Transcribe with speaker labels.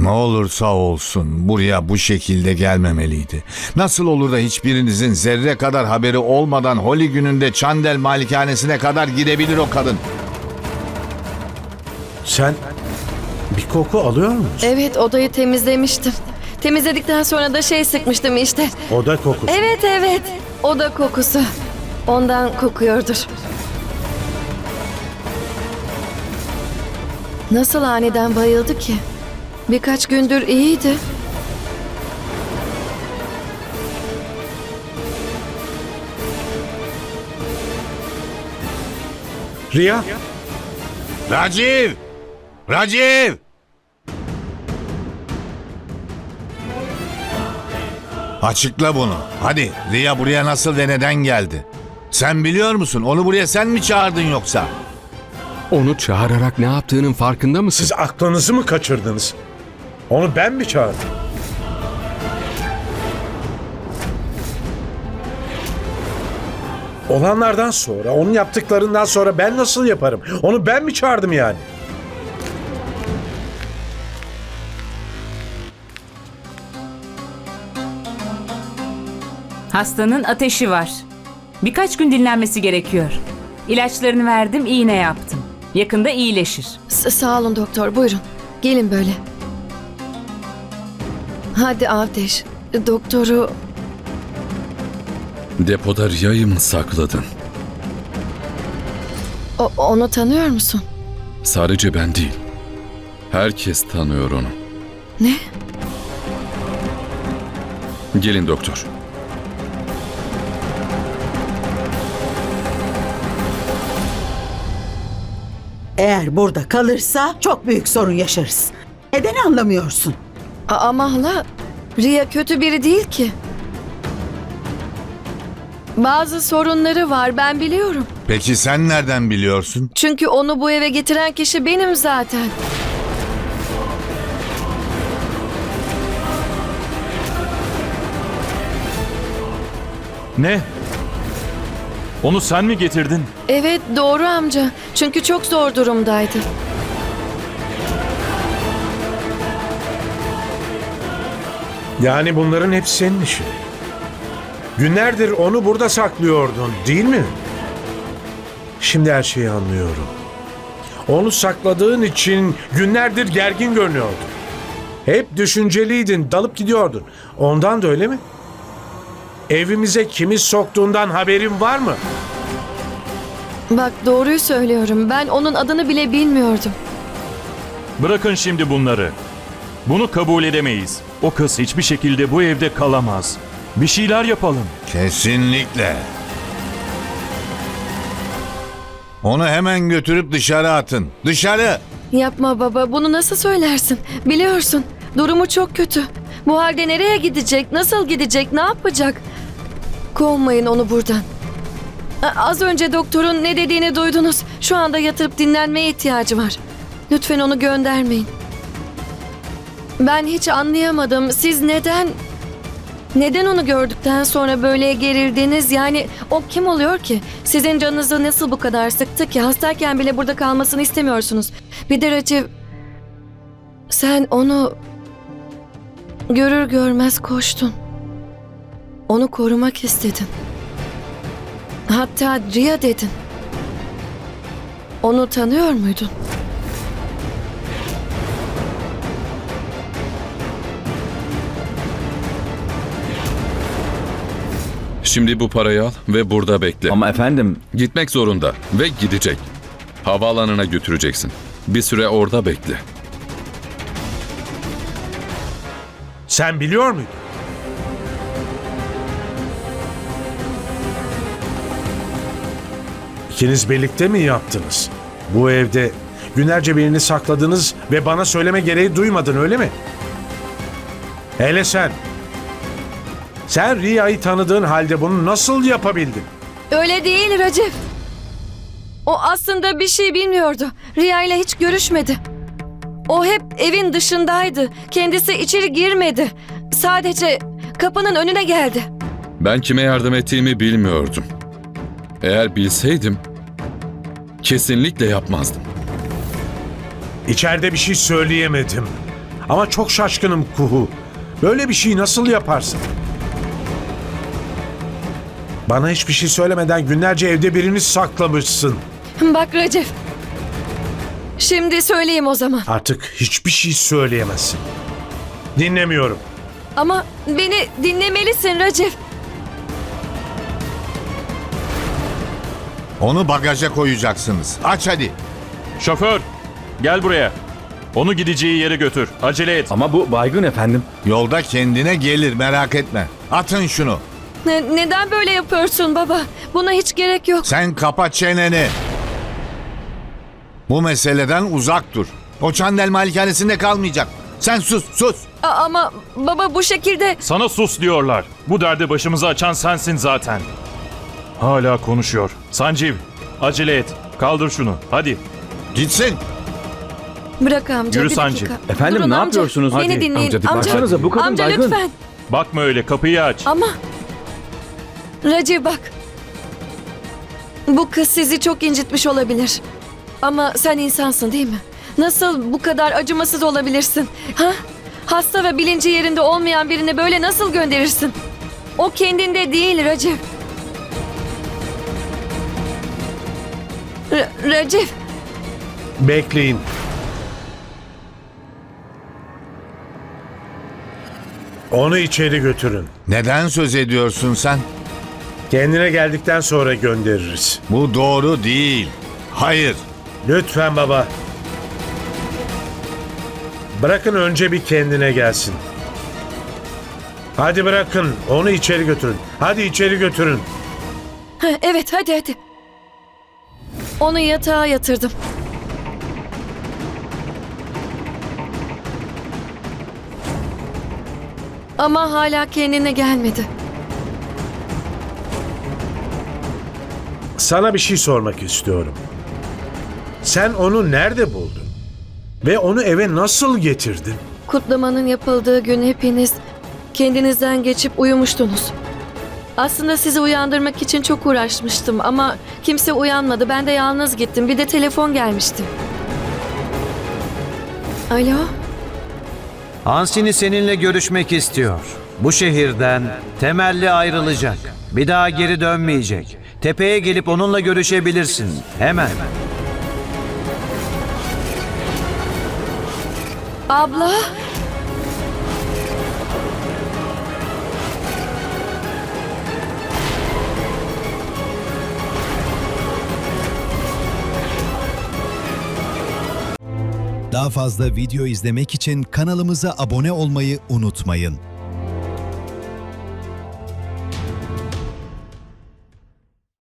Speaker 1: Ne olursa olsun buraya bu şekilde gelmemeliydi. Nasıl olur da hiçbirinizin zerre kadar haberi olmadan Holi gününde Çandel malikanesine kadar gidebilir o kadın?
Speaker 2: Sen bir koku alıyor musun?
Speaker 3: Evet, odayı temizlemiştim. Temizledikten sonra da sıkmıştım işte.
Speaker 2: Oda kokusu.
Speaker 3: Evet, oda kokusu. Ondan kokuyordur. Nasıl aniden bayıldı ki? Birkaç gündür iyiydi.
Speaker 2: Riya,
Speaker 1: Raciv! Raciv! Açıkla bunu. Hadi Riya buraya nasıl ve neden geldi? Sen biliyor musun? Onu buraya sen mi çağırdın yoksa?
Speaker 4: Onu çağırarak ne yaptığının farkında mısın?
Speaker 2: siz aklınızı mı kaçırdınız? Onu ben mi çağırdım? Olanlardan sonra, onun yaptıklarından sonra ben nasıl yaparım? Onu ben mi çağırdım yani?
Speaker 5: Hastanın ateşi var. Birkaç gün dinlenmesi gerekiyor. İlaçlarını verdim, iğne yaptım. Yakında iyileşir.
Speaker 3: Sağ olun doktor, buyurun. Gelin böyle. Hadi Avdeş, doktoru...
Speaker 6: Depoda Riya'yı mı sakladın?
Speaker 3: Onu tanıyor musun?
Speaker 6: Sadece ben değil. Herkes tanıyor onu.
Speaker 3: Ne?
Speaker 6: Gelin doktor.
Speaker 7: Eğer burada kalırsa çok büyük sorun yaşarız. Neden anlamıyorsun?
Speaker 3: Ama hala, Riya kötü biri değil ki. Bazı sorunları var, ben biliyorum.
Speaker 1: Peki sen nereden biliyorsun?
Speaker 3: Çünkü onu bu eve getiren kişi benim zaten.
Speaker 8: Ne? Onu sen mi getirdin?
Speaker 3: Evet, doğru amca. Çünkü çok zor durumdaydı.
Speaker 2: Yani bunların hepsi senin işin. Günlerdir onu burada saklıyordun, değil mi? Şimdi her şeyi anlıyorum. Onu sakladığın için günlerdir gergin görünüyordun. Hep düşünceliydin, dalıp gidiyordun. Ondan da öyle mi? Evimize kimi soktuğundan haberin var mı?
Speaker 3: Bak, doğruyu söylüyorum. Ben onun adını bile bilmiyordum.
Speaker 8: Bırakın şimdi bunları. Bunu kabul edemeyiz. O kız hiçbir şekilde bu evde kalamaz. Bir şeyler yapalım.
Speaker 1: Kesinlikle. Onu hemen götürüp dışarı atın. Dışarı!
Speaker 3: Yapma baba, bunu nasıl söylersin? Biliyorsun, durumu çok kötü. Bu halde nereye gidecek, nasıl gidecek, ne yapacak? Kovmayın onu buradan. Az önce doktorun ne dediğini duydunuz. Şu anda yatırıp dinlenmeye ihtiyacı var. Lütfen onu göndermeyin. Ben hiç anlayamadım. Siz neden onu gördükten sonra böyle gerildiniz? Yani o kim oluyor ki? Sizin canınızı nasıl bu kadar sıktı ki? Hastayken bile burada kalmasını istemiyorsunuz. Bir de Raciv, sen onu görür görmez koştun. Onu korumak istedin. Hatta Riya dedin. Onu tanıyor muydun?
Speaker 6: Şimdi bu parayı al ve burada bekle.
Speaker 9: Ama efendim,
Speaker 6: Gitmek zorunda ve gidecek. Havaalanına götüreceksin. Bir süre orada bekle.
Speaker 2: Sen biliyor muydun? İkiniz birlikte mi yaptınız? Bu evde günlerce birini sakladınız ve bana söyleme gereği duymadın, öyle mi? Hele sen. Sen Riya'yı tanıdığın halde bunu nasıl yapabildin?
Speaker 3: Öyle değil Raciv. O aslında bir şey bilmiyordu. Riya ile hiç görüşmedi. O hep evin dışındaydı. Kendisi içeri girmedi. Sadece kapının önüne geldi.
Speaker 6: Ben kime yardım ettiğimi bilmiyordum. Eğer bilseydim kesinlikle yapmazdım.
Speaker 2: İçeride bir şey söyleyemedim. Ama çok şaşkınım Kuhu. Böyle bir şeyi nasıl yaparsın? Bana hiçbir şey söylemeden günlerce evde birini saklamışsın.
Speaker 3: Bak Racif. Şimdi söyleyeyim o zaman.
Speaker 2: Artık hiçbir şey söyleyemezsin. Dinlemiyorum.
Speaker 3: Ama beni dinlemelisin Racif.
Speaker 1: Onu bagaja koyacaksınız. Aç hadi.
Speaker 8: Şoför, gel buraya. Onu gideceği yere götür. Acele et.
Speaker 9: Ama bu baygın efendim.
Speaker 1: Yolda kendine gelir, merak etme. Atın şunu.
Speaker 3: Neden böyle yapıyorsun baba? Buna hiç gerek yok.
Speaker 1: Sen kapa çeneni. Bu meseleden uzak dur. O Çandel malikanesinde kalmayacak. Sen sus, sus.
Speaker 3: Ama baba bu şekilde...
Speaker 8: Sana sus diyorlar. Bu derdi başımıza açan sensin zaten. Hala konuşuyor. Sanjeev, acele et. Kaldır şunu. Hadi.
Speaker 1: Gitsin.
Speaker 3: Bırak amca
Speaker 8: Yürü
Speaker 3: bir
Speaker 8: Sancı.
Speaker 3: dakika.
Speaker 9: Efendim,
Speaker 3: Durun
Speaker 9: ne
Speaker 3: amca,
Speaker 9: yapıyorsunuz?
Speaker 3: Beni
Speaker 9: Hadi.
Speaker 3: dinleyin.
Speaker 4: Amca,
Speaker 3: Amca,
Speaker 9: baksanıza, bu kadın
Speaker 3: amca
Speaker 9: baygın.
Speaker 3: lütfen.
Speaker 8: Bakma öyle, kapıyı aç.
Speaker 3: Ama... Racif bak. Bu kız sizi çok incitmiş olabilir. Ama sen insansın değil mi? Nasıl bu kadar acımasız olabilirsin? Ha? Hasta ve bilinci yerinde olmayan birini böyle nasıl gönderirsin? O kendinde değil Racif. Racif.
Speaker 2: Bekleyin. Onu içeri götürün.
Speaker 1: Neden söz ediyorsun sen?
Speaker 2: Kendine geldikten sonra göndeririz.
Speaker 1: Bu doğru değil. Hayır.
Speaker 2: Lütfen baba. Bırakın önce bir kendine gelsin. Hadi bırakın. Onu içeri götürün. Hadi içeri götürün.
Speaker 3: Ha, evet hadi. Onu yatağa yatırdım. Ama hala kendine gelmedi.
Speaker 2: Sana bir şey sormak istiyorum. Sen onu nerede buldun? Ve onu eve nasıl getirdin?
Speaker 3: Kutlamanın yapıldığı gün hepiniz kendinizden geçip uyumuştunuz. Aslında sizi uyandırmak için çok uğraşmıştım ama kimse uyanmadı. Ben de yalnız gittim. Bir de telefon gelmişti. Alo?
Speaker 10: Hansini seninle görüşmek istiyor. Bu şehirden temelli ayrılacak. Bir daha geri dönmeyecek. Tepeye gelip onunla görüşebilirsin. Hemen.
Speaker 3: Abla?
Speaker 11: Daha fazla video izlemek için kanalımıza abone olmayı unutmayın.